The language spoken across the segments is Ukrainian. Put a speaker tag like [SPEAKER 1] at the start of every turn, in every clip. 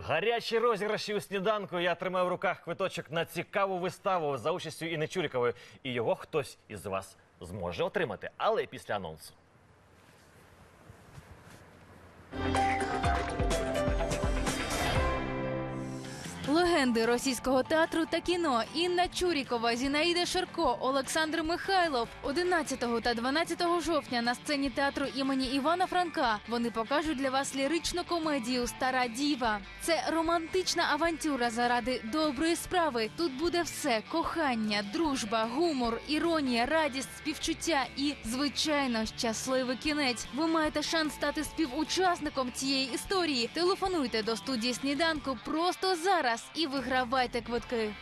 [SPEAKER 1] Гарячі розіграші у сніданку. Я тримаю в руках квиточок на цікаву виставу за участю Інни Чурікової. І його хтось із вас зможе отримати. Але після анонсу.
[SPEAKER 2] Легенди російського театру та кіно Інна Чурікова, Зінаїда Шарко, Олександр Михайлов. 11 та 12 жовтня на сцені театру імені Івана Франка вони покажуть для вас ліричну комедію «Стара діва». Це романтична авантюра заради доброї справи. Тут буде все – кохання, дружба, гумор, іронія, радість, співчуття і, звичайно, щасливий кінець. Ви маєте шанс стати співучасником цієї історії. Телефонуйте до студії «Сніданку» просто зараз і вигравайте квитки.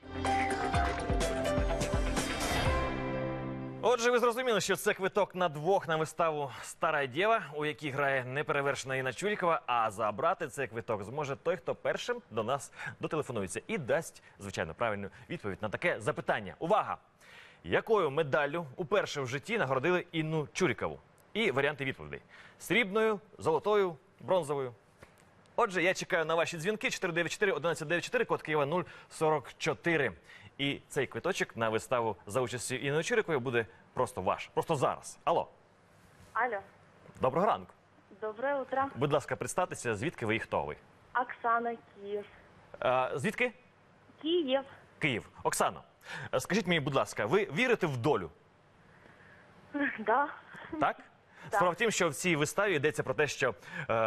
[SPEAKER 1] Отже, ви зрозуміли, що це квиток на двох на виставу «Стара дєва», у якій грає неперевершена Інна Чурікова, а забрати цей квиток зможе той, хто першим до нас дотелефонується і дасть, звичайно, правильну відповідь на таке запитання. Увага! Якою медаллю уперше в житті нагородили Інну Чурікову? І варіанти відповідей. Срібною, золотою, бронзовою. Отже, я чекаю на ваші дзвінки 494-1194, код Києва 044. І цей квиточок на виставу за участю Інни Чурікової буде просто ваш. Просто зараз. Алло.
[SPEAKER 3] Алло.
[SPEAKER 1] Доброго ранку.
[SPEAKER 3] Доброе утро.
[SPEAKER 1] Будь ласка, представтеся, звідки ви і хто ви?
[SPEAKER 3] Оксана, Киев.
[SPEAKER 1] Звідки?
[SPEAKER 3] Киев.
[SPEAKER 1] Київ. Оксано, скажіть мені, будь ласка, ви вірите в долю?
[SPEAKER 3] Да.
[SPEAKER 1] Так? Справа в тім, що в цій виставі йдеться про те, що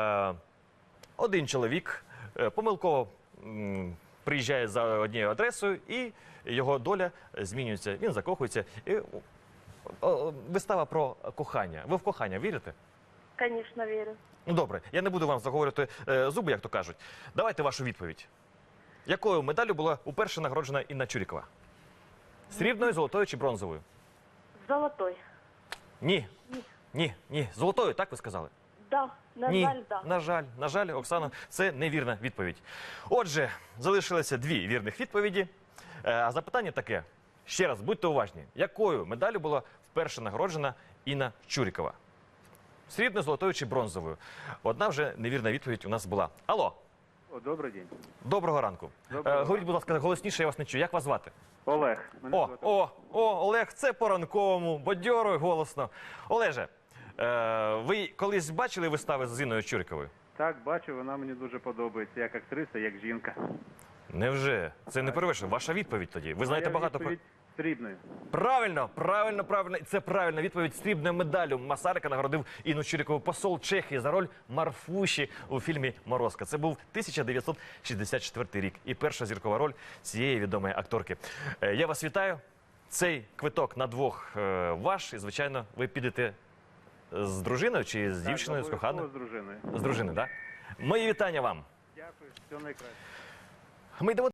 [SPEAKER 1] один чоловік помилково приїжджає за однією адресою, і його доля змінюється. Він закохується. І вистава про кохання. Ви в кохання вірите?
[SPEAKER 3] Конечно, верю.
[SPEAKER 1] Ну, добре. Я не буду вам заговорювати зуби, як то кажуть. Давайте вашу відповідь. Якою медаллю була уперше нагороджена Інна Чурікова? Срібною, золотою чи бронзовою?
[SPEAKER 3] Золотой.
[SPEAKER 1] Ні. Ні. Золотою, так ви сказали?
[SPEAKER 3] Да. На
[SPEAKER 1] Ні,
[SPEAKER 3] жаль, да.
[SPEAKER 1] на жаль, Оксана, це невірна відповідь. Отже, залишилося дві вірних відповіді. А запитання таке. Ще раз, будьте уважні. Якою медаллю була вперше нагороджена Інна Чурікова? Срібною, золотою чи бронзовою? Одна вже невірна відповідь у нас була. Алло.
[SPEAKER 4] Добрий день.
[SPEAKER 1] Доброго ранку. Говоріть, будь ласка, голосніше, я вас не чую. Як вас звати?
[SPEAKER 4] Олег.
[SPEAKER 1] Олег, це по-ранковому, бадьоро і голосно. Олеже, ви колись бачили вистави з Інною Чуріковою?
[SPEAKER 4] Так, бачу, вона мені дуже подобається, як актриса, як жінка.
[SPEAKER 1] Невже? Це не перевершено. Ваша відповідь тоді. Ви знаєте багато про...
[SPEAKER 4] Срібною.
[SPEAKER 1] Правильно. Це правильна відповідь. Срібною медаллю Масарика нагородив Інну Чурікову посол Чехії за роль Марфуші у фільмі «Морозко». Це був 1964 рік і перша зіркова роль цієї відомої акторки. Я вас вітаю. Цей квиток на двох ваш. І, звичайно, ви підете з дружиною чи з дівчиною, з коханою?
[SPEAKER 4] З дружиною.
[SPEAKER 1] З дружиною, так? Мої вітання вам.
[SPEAKER 4] Дякую, все найкраще.
[SPEAKER 1] Ми йдемо